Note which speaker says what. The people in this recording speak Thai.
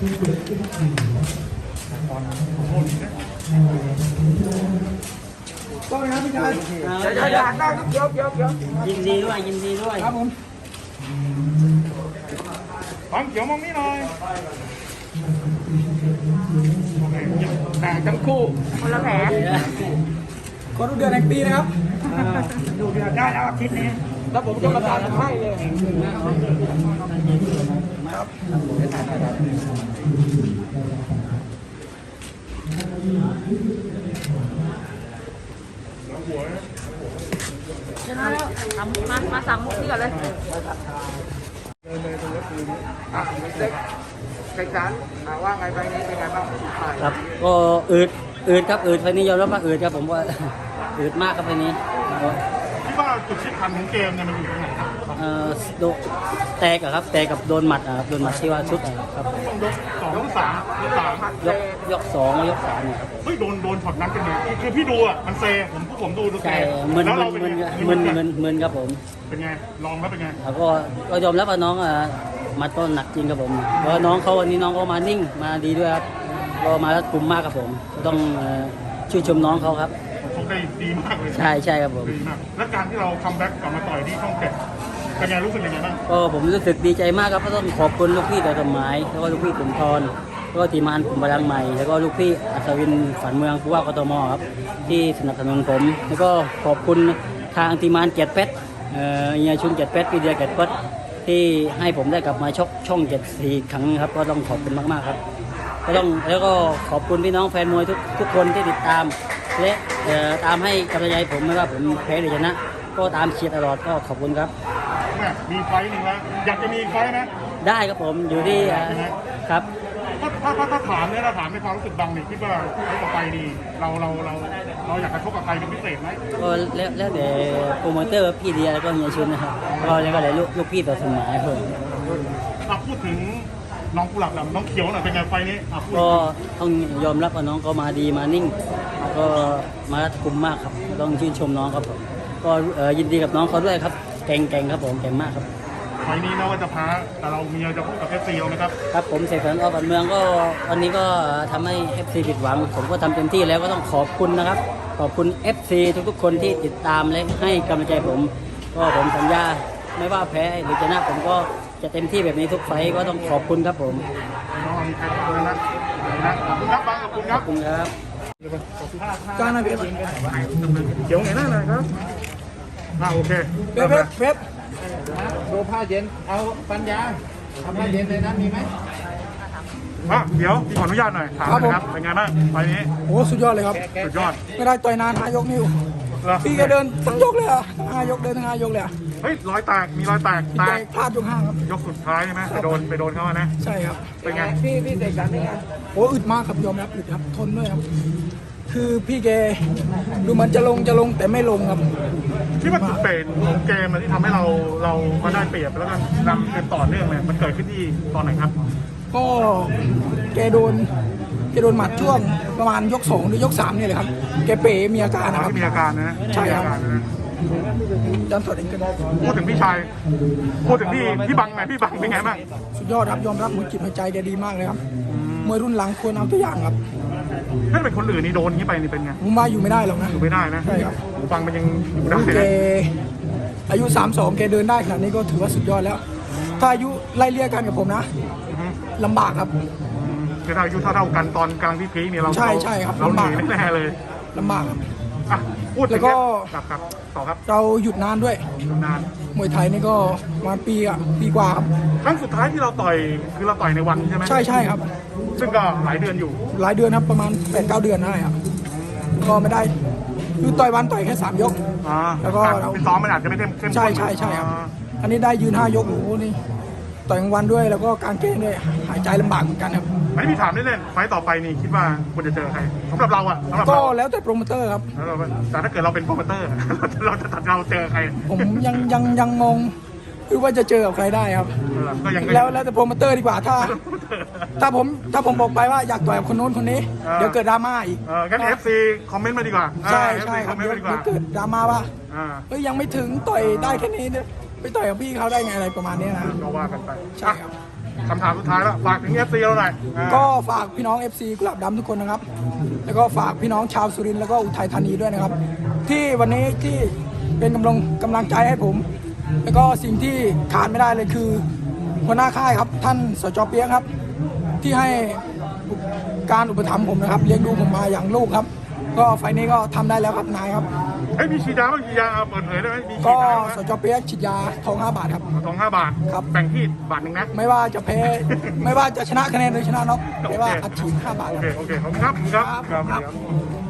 Speaker 1: ก็นะพี่ชายอยากได้เดี๋ยวยินดีด้วยครับผม
Speaker 2: ฟังเขียวมองนี่หน่อยแต่ทั้งคู่
Speaker 3: คนละแผล
Speaker 1: ขอดูเดือนแห่งปีนะครับ
Speaker 2: ดูเดือนได้แล้วอาทิตย์นี้
Speaker 1: แล้วผมต้องประกาศให้เลยครับ
Speaker 3: ชนะแล้วมาสั่งมุกนี่ก่อนเลย
Speaker 2: เซ็กซันว่าไงไปนี้เป็นไงบ้าง
Speaker 4: ครับก็อืดครับอืดไฟนี้ยอมรับว่าอืดครับผมว่าอืดมากครับไฟนี้
Speaker 2: คิดว่าจุดสำคัญของเกมเนี่ยมันอยู่ตรงไหนครับ
Speaker 4: โดนแตกครับแตกกับโดนหมัดครับโดนหมัดที่ว่าชุดครับ
Speaker 2: ต้องยกสองยกสาม
Speaker 4: ยกสองยกสามเนี่ยครับ
Speaker 2: เฮ้ยโดนช็อตนั้นเป็นไงคือพี่ดูอ่ะมันเซผมดู
Speaker 4: ใช่มึนครับผม
Speaker 2: เป็นไงลองแล้วเป็นไง
Speaker 4: แล้วก็ยอมรับว่าน้องมาต้นหนักจริงครับผมเพราะน้องเขาวันนี้น้องก็มานิ่งมาดีด้วยครับก็มาแล้วกลุ่มมากครับผมต้องชื่นชมน้องเขาครับ
Speaker 2: เขาได้ดีมากเลย
Speaker 4: ใช่ครับผม
Speaker 2: ดีมากและการที่เราคัมแบ็กกลับมาต่อยที่ช่องเจ็ดเป็นไงรู้สึกยังไงบ้าง
Speaker 4: ก็ผมรู้สึกดีใจมากครับก็ต้องขอบคุณลูกพี่แต่สมัยแล้วก็ลูกพี่ขุนทรแล้วก็ทีมงานกลุ่มพลังใหม่แล้วก็ลูกพี่อัศวินฝันเมืองผู้ว่ากทมครับที่สนับสนุนผมแล้วก็ขอบคุณทางทีมงานเกียรติเพชรเฮียชุนเกียรติเพชรพี่เดียเกียรติเพชรที่ให้ผมได้กลับมาชกช่อง7 ครั้งครับก็ต้องขอบคุณมากๆครับก็ต้องแล้วก็ขอบคุณพี่น้องแฟนมวยทุกคนที่ติดตามและตามให้กำลังใจผมไม่ว่าผมแพ้หรือชนะก็ตามเชียร์ตลอดก็ขอบคุณครับ
Speaker 2: มีไฟหนึ่งแล้วอยากจะมีไฟไหม
Speaker 4: ได้ครับผมอยู่ที่ครับ
Speaker 2: ถ้าถามเนี่ยเราถามในความรู้สึกบังนี่คิดว่าเขาต่อไปนี่เราอยากจะชกกับใครเป็นพิเศษไหม
Speaker 4: ก็แล้วแต่โปรโมเตอร์พี่เดียแล้วก็เฮียชุนนะครับก็แล้วก็เลยลูกพี่ต่อสมัยครับ
Speaker 2: พูดถึงน้องกุหลาบน้องเขียวหน่อยเป็นไงไฟนี้
Speaker 4: ก็ต้องยอมรับว่าน้องก็มาดีมานิ่งก็มารัดกุมมากครับต้องชื่นชมน้องครับผมก็ยินดีกับน้องเขาด้วยครับเก่งครับผมเก่งมากครับ
Speaker 2: ไฟนี้นะว่าจะพ้าแต่เรามีจะพูดกับFCนะครับ
Speaker 4: ครับผมเสกสรร อ.บันเมืองก็วันนี้ก็ทำให้ FC ผิดหวังผมก็ทำเต็มที่แล้วก็ต้องขอบคุณนะครับขอบคุณ FC ทุกๆคนที่ติดตามและให้กำลังใจผมก็ผมสัญญาไม่ว่าแพ้หรือชนะผมก็จะเต็มที่แบบนี้ทุกไฟก็ต้องขอบคุณครับผม
Speaker 2: ขอบคุณครับบังขอบคุณครับ
Speaker 1: การนะเว็บ
Speaker 2: เขียวไงหน้าหน่อยครับโอเค
Speaker 1: เว็บ
Speaker 5: ดูผ้าเย็นเอาปัญญาทำผ้าเย็นเลยนะมีไหม
Speaker 2: เดี๋ยวขออนุญาตหน่อยถามนะครับเป็นไงบ้างไฟนี้
Speaker 1: โอ้สุดยอดเลยครับ
Speaker 2: สุดยอด
Speaker 1: ไม่ได้ต่อยนาน5 ยกนิ้วพี่ก็เดินทั้งยกเลยอ่ะ5 ยกเดินทั้ง5 ยกเลย
Speaker 2: เฮ้ยรอยแตกมีรอยแตก
Speaker 1: พลาดยก5ครับ
Speaker 2: ยกสุดท้ายใช่ไหมไปโดนเขานะ
Speaker 1: ใช่ครับ
Speaker 2: เป็นไง
Speaker 5: พี่เด็กกันเป็นไง
Speaker 1: โอ้อึดมากครับยอมรับอึดครับทนด้วยครับคือพี่แกดูมันจะลงแต่ไม่ลงครับ
Speaker 2: ที่ว่าจุดเปลี่ยนของเกมที่ทำให้เรามาได้เปรียบแล้วก็นำเกมต่อเนื่องเลยมันเกิดขึ้นที่ตอนไหนครับ
Speaker 1: ก็แกโดนหมัดช่วงประมาณยก2หรือยก3นี่เลยครับแกเป๋มีอาการนะครับ
Speaker 2: มีอาการนะ
Speaker 1: ใช่ครับดันสดเองก็ได้
Speaker 2: พูดถึงพี่ชายพูดถึงพี่บังไงพี่บังเป็นไงบ้าง
Speaker 1: สุดยอดครับยอมรับหัวจิตหัวใจแกดีมากเลยครับมวยรุ่นหลังควรเอาตัวอย่างครับ
Speaker 2: ถ้าเป็นคนอื่นนี่โดนนี้ไปนี่เป็นไง
Speaker 1: ผมว่าอยู่ไม่ได้หรอกนะ
Speaker 2: อยู่ไม่ได้นะ
Speaker 1: ใช่ครับ
Speaker 2: ฟังมันยังอยู่ได้
Speaker 1: แกอายุ32แกเดินได้ขนาดนี้ก็ถือว่าสุดยอดแล้วถ้าอายุไล่เลี่ยกันกับผมนะลำบากครับ
Speaker 2: คือถ้าอายุเท่ากันตอนกลางที่พีเนี่ยเรา
Speaker 1: ใช่ครับ
Speaker 2: เราหนีไม่แน่เลย
Speaker 1: ลำบากครับ
Speaker 2: พูดแล้วก็ต่อครับ
Speaker 1: เราหยุดนานด้วย
Speaker 2: นาน
Speaker 1: มวยไทยนี่ก็ประมาณปีกว่าครับ
Speaker 2: ครั้งสุดท้ายที่เราต่อยคือเราต่อยในวันใช่ไหม
Speaker 1: ใช่ครับ
Speaker 2: ซึ่งก็หลายเดือนอยู่
Speaker 1: หลายเดือนครับประมาณ 8-9 เดือนได้ครับก็ไม่ได้คือต่อยวันต่อยแค่3 ยก
Speaker 2: แล้วก็เราซ้อมมันอาจจะไม่เข้มข้น
Speaker 1: ใช่ครับอันนี้ได้ยืน5 ยกโอ้โหนี่ต่อยกลางวันด้วยแล้วก็กางเกงด้วยหายใจลำบากเหมือนกันครับ
Speaker 2: ไม่พี่ถามเล่นๆไฟต่อไปนี่คิดว่าควรจะเจอใครสำหรับเรา
Speaker 1: ก็แล้วแต่โปรโมเตอร์ครับ
Speaker 2: แต่ถ้าเกิดเราเป็นโปรโมเตอร์เราเจอใคร
Speaker 1: ผมยังงงคือว่าจะเจอกับใครได้ครับแล้วแต่โปรโมเตอร์ดีกว่าถ้าผมบอกไปว่าอยากต่อยกับคนโน้นคนนี้เดี๋ยวเกิดดราม่าอีก
Speaker 2: งั้น FC คอมเมนต์มาดีกว่า
Speaker 1: ใช่ครับเดี๋ยวเกิดดราม่าว่ายังไม่ถึงต่อยได้แค่นี้เนี่ยไปต่อยกับพี่เขาได้ไงอะไรประมาณนี้นะ
Speaker 2: ก็ว่ากันไป
Speaker 1: ใช่ครับ
Speaker 2: คำถามสุดท้ายแล้วฝากถึง FC เราหน่อยอ่า
Speaker 1: ก็ฝากพี่น้อง FC กุหลาบดำทุกคนนะครับ แล้วก็ฝากพี่น้องชาวสุรินทร์แล้วก็อุทัยธานีด้วยนะครับ ที่วันนี้ที่เป็นกำลังใจให้ผม แล้วก็สิ่งที่ขาดไม่ได้เลยคือหัวหน้าค่ายครับท่านสจ.เปียกครับ ที่ให้การอุปถัมภ์ผมนะครับเลี้ยงดูผมมาอย่างลูกครับ ก็ไฟล์นี้ก็ทำได้แล้วครับนายครับ
Speaker 2: เฮ้ยมีฉีดยาบ้างฉีดยาเอาเปิดเผยได้ไหมมีฉี
Speaker 1: ก็
Speaker 2: ดยาบ้าง
Speaker 1: สจ.เปียกฉีดยาทอง5 บาทครับ
Speaker 2: ทอง5 บาท
Speaker 1: ครับ
Speaker 2: แบ่งที่บาทหนึ่งนะ
Speaker 1: ไม่ว่าจะแพ้ ไม่ว่าจะชนะคะแนนหรือชนะน็อกแต่ว่าอัดฉีด5 บาท
Speaker 2: โอ
Speaker 1: ครับ
Speaker 2: เค โอเค ขอบคุณครับ ครับ